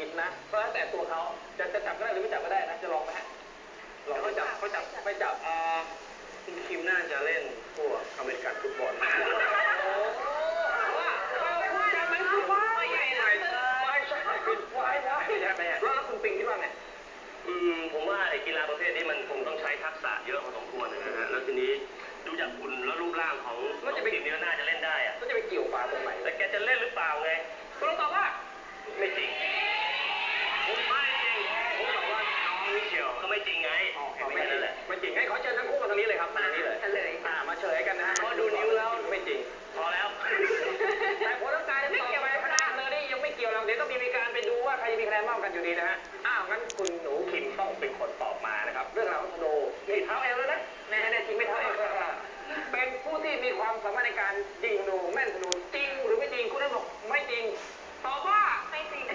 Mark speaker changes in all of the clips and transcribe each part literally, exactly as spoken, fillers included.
Speaker 1: ผิดนะเพราะแล้วแต่ตัวเขาจะจะจับก็ได้หรือไม่จับก็ได้นะจะลองไหมฮะลองเขาจับเขาจับไม่จับอ่าคุณคิมน่าจะเล่นพวกอเมริกันฟุตบอลโอ้ว่าคุณจะไม่ฟุตบอลไม่ใช่ไม่ใช่ไม่ใช่แล้วคุณปิงคิดว่าไง
Speaker 2: อืมผมว่าไอ้กีฬาประเภทนี้มันคงต้องใช้ทักษะเยอะพอสมควรนะฮะแล้วทีนี้ดูจากหุ่นแล้วรูปร่างของน้องทีมนี้น่าจะเล่นได้อะ
Speaker 1: ก็จะไปเกี่ยวปลาตรงไหน
Speaker 2: แต่แกจะเล่นหรือเปล่าไง
Speaker 1: คุณลองตอบว่า
Speaker 2: ไม่จริงผมไม่จริงผมบอกว่าน้องมิเชลก็ไม่จริงไง
Speaker 1: ไม่จริงไม่จริงให้ขอเชิญทั้งคู่มาตรงนี้เลยครับมานี้เลย
Speaker 3: เฉลย
Speaker 1: อ่ามาเฉลยกันนะฮะพอดูนิ้วแล้วไม่จริง
Speaker 2: พอแล้ว
Speaker 1: แต่ผลร่างกายไม่เกี่ยวกับคะแนนเลยนี่ยังไม่เกี่ยวเราเดี๋ยวต้องมีการไปดูว่าใครจะมีคะแนนมากกันอยู่ดีนะฮะอ้าวงั้นคุณหนูคิมต้องเป็นคนตอบมานะครับเรื่องราวของธนูนี่เท้าเอวแล้วนะแน่แน่จริงไม่เท้าเอวเป็นผู้ที่มีความสามารถในการยิงธนูแม่นธนูจริงหรือไม่จริงคุณนั่นบอกไม่จริงตอบว่า
Speaker 3: ไม่จริง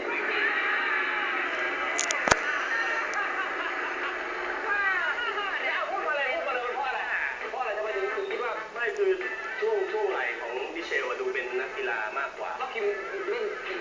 Speaker 1: พูดมาเลยพูดมาเลยเพราะอะไรเพราะอะไรทำไมถึงคิดว่า
Speaker 2: ไม่คือช่วงช่วงไหลของมิเชลดูเป็นนักกีฬามากกว่า
Speaker 1: แล้วคิมเล่นกีฬ